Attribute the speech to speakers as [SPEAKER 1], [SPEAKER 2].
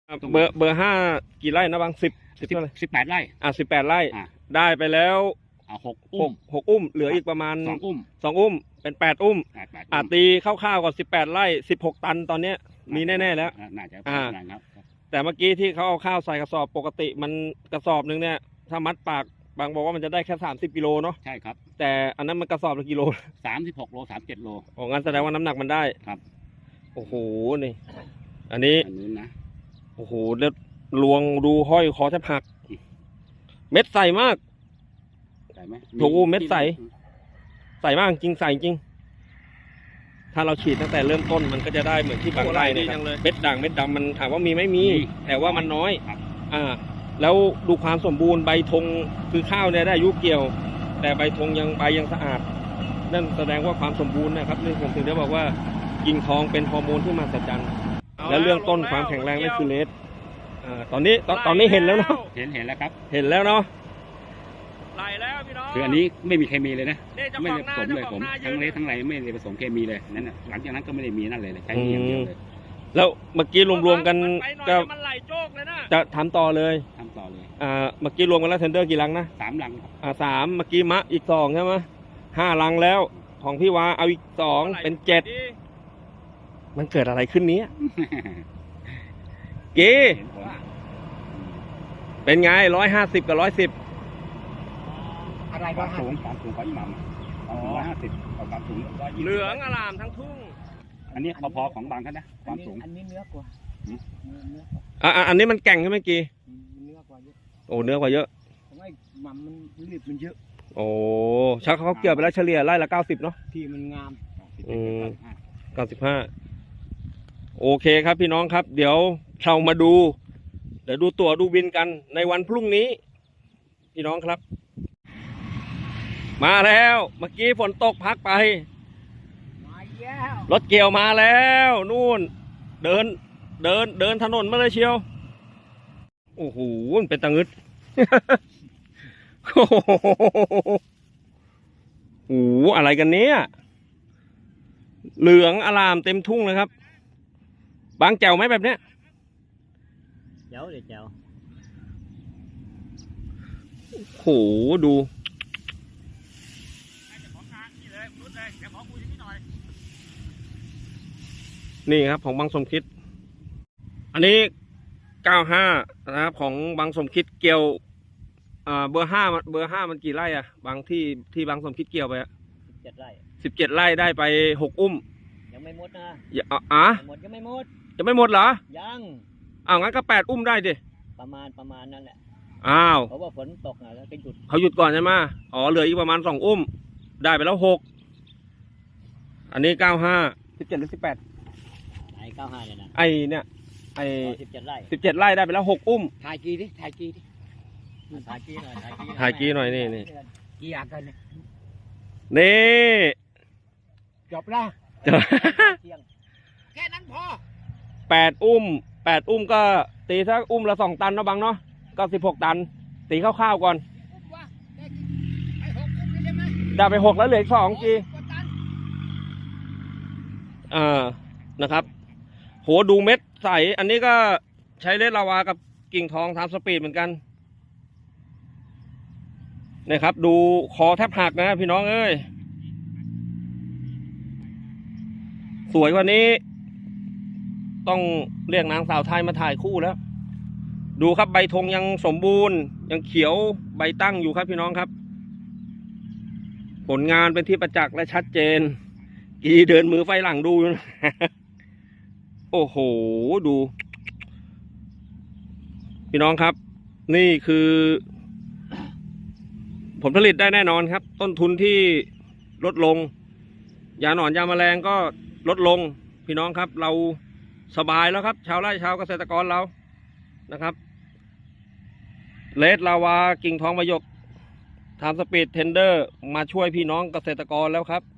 [SPEAKER 1] เบอร์ห้ากี่ไร่นะบางสิบเท่าไหร่
[SPEAKER 2] 18 ไร่
[SPEAKER 1] 18 ไร่ได้ไปแล้ว6 อุ้มเหลืออีกประมาณ
[SPEAKER 2] 2 อุ้ม
[SPEAKER 1] 2 อุ้มเป็น8 อุ้มตีคร่าวๆก่อน18 ไร่16 ตันตอนเนี้ยมีแน่ๆแล้ว
[SPEAKER 2] น่าจะครับ
[SPEAKER 1] แต่เมื่อกี้ที่เขาเอาข้าวใส่กระสอบปกติมันกระสอบนึงเนี่ยถ้ามัดปากบางบอกว่ามันจะได้แค่30 กิโลเนาะ
[SPEAKER 2] ใช่ครับ
[SPEAKER 1] แต่อันนั้นมันกระสอบละกิโล
[SPEAKER 2] 36 โล 37 โล
[SPEAKER 1] โอ้งั้นแสดงว่าน้ำหนักมันได้
[SPEAKER 2] ครับ
[SPEAKER 1] โอ้โหนี่อันนี้
[SPEAKER 2] นะ
[SPEAKER 1] โอ้โหแล้วลวงดูห้อยคอแทบหักเม็ดใสมาก
[SPEAKER 2] ใส่ไหม
[SPEAKER 1] ถูกเม็ดใสมากจริงใสจริงถ้าเราฉีดตั้งแต่เริ่มต้นมันก็จะได้เหมือนที่บางไร่เนี่ยเม็ดด่างเม็ดดำมันถามว่ามีไม่มีแต่ว่ามันน้อยแล้วดูความสมบูรณ์ใบธงคือข้าวเนี่ยได้อายุเกี่ยวแต่ใบธงยังสะอาดนั่นแสดงว่าความสมบูรณ์นะครับนี่ผมถึงได้บอกว่ากิ่งทองเป็นฮอร์โมนที่มหัศจรรย์แล้วเรื่องต้นความแข็งแรงนั่นคือเลสตอนนี้เห็นแล้วเนาะ
[SPEAKER 2] เห็นแล้วครับ
[SPEAKER 1] เห็นแล้วเนาะไหลแล้วพี่น้อง
[SPEAKER 2] คืออันนี้ไม่มีเคมีเลยนะไม่ได้ผสมเลยผมทั้งเลสทั้งไรไม่ได้ผสมเคมีเลยนั่นหลังจากนั้นก็ไม่ได้มีนั่นเลยใช้อย่างเดียวเลย
[SPEAKER 1] แล้วเมื่อกี้รวมๆกันก็
[SPEAKER 3] มันไหลโจกเลยนะ
[SPEAKER 1] จะทำต่อเลยเมื่อกี้รวมกันแล้วเทนเดอร์กี่ลังนะ
[SPEAKER 2] 3 ลัง
[SPEAKER 1] 3เมื่อกี้มะอีก2ใช่ไหม5 ลังแล้วของพี่วาเอาอีก2เป็น7มันเกิดอะไรขึ้นนี้กีเป็นไง150 กับ 110
[SPEAKER 2] อะไรก็สูงกว่าอีหม่ำ150กับสูง
[SPEAKER 1] เหลืองอลามทั้งทุ่ง
[SPEAKER 2] อันนี้พอของบางท่านนะความสูง
[SPEAKER 3] อันนี้เนื้อกว่า
[SPEAKER 1] อันนี้มันแก่งใช่ไหมกี
[SPEAKER 3] เนื้อกว่าเยอะ
[SPEAKER 1] โอ้เนื้อกว่าเยอะ
[SPEAKER 3] ทำไมหม่ำมันรีบมันเยอะ
[SPEAKER 1] โอ้ชักเขาเกี่ยวไปแล้วเฉลี่ยไร่ละ90เนาะ
[SPEAKER 3] ที่มันงาม
[SPEAKER 1] 95โอเคครับพี่น้องครับเดี๋ยวเรามาดูตั๋วดูบินกันในวันพรุ่งนี้พี่น้องครับมาแล้วเมื่อกี้ฝนตกพักไปรถเกี่ยวมาแล้วนู่นเดินถนนมาเลยเชียวโอ้โหเป็นตะงึดโอ้โหอะไรกันเนี้ยเหลืองอลามเต็มทุ่งเลยครับบางแจ๋วไหมแบบเนี้ย
[SPEAKER 3] แจ๋วเลยแจ๋ว
[SPEAKER 1] โหดูนี่ครับของบางสมคิดอันนี้95นะครับของบางสมคิดเกี่ยวเบอร์ห้ามันกี่ไร่บางที่บางสมคิดเกี่ยวไป
[SPEAKER 3] 17 ไร่
[SPEAKER 1] 17 ไร่ได้ไป6 อุ้ม
[SPEAKER 3] ยังไม่หมดนะ
[SPEAKER 1] หมด
[SPEAKER 3] ยังไม่หมด
[SPEAKER 1] เหรอ
[SPEAKER 3] ยัง
[SPEAKER 1] งั้นก็8 อุ้มได้ดิ
[SPEAKER 3] ประมาณนั่นแหละเพราะว่าฝนตกแล้วก็หยุด
[SPEAKER 1] เขาหยุดก่อนใช่ไหมเหลืออีกประมาณ2 อุ้มได้ไปแล้ว6อันนี้95 17หรือ18
[SPEAKER 3] ไอ้95เนี่ยนะ
[SPEAKER 1] เนี่ย
[SPEAKER 3] 17 ไร่
[SPEAKER 1] 17 ไร่ได้ไปแล้ว6 อุ้ม
[SPEAKER 3] ถ่ายกีหน่อย
[SPEAKER 1] ถ่ายกีหน่อยนี่
[SPEAKER 3] กี่อยากกัน
[SPEAKER 1] นี่
[SPEAKER 3] จบละแค่นั้นพอ
[SPEAKER 1] 8 อุ้มก็ตีสักอุ้มละ2 ตันเนาะบังเนาะก็16 ตันตีคร่าวๆก่อนได้ไป6แล้วเหลืออีก2กีนะครับโหดูเม็ดใสอันนี้ก็ใช้เลสลาวากับกิ่งทองทำสปีดเหมือนกันนะครับดูคอแทบหักนะพี่น้องเอ้ยสวยกว่านี้ต้องเรียกนางสาวไทยมาถ่ายคู่แล้วดูครับใบธงยังสมบูรณ์ยังเขียวใบตั้งอยู่ครับพี่น้องครับผลงานเป็นที่ประจักษ์และชัดเจนกีเดินมือไฟหลังดูนะโอ้โหดูพี่น้องครับนี่คือผลผลิตได้แน่นอนครับต้นทุนที่ลดลงยาหนอนยาแมลงก็ลดลงพี่น้องครับเราสบายแล้วครับชาวไร่ชาวเกษตรกรเรานะครับเลสลาวากิ่งทองมะยกทำสปีดเทนเดอร์มาช่วยพี่น้องเกษตรกรแล้วครับ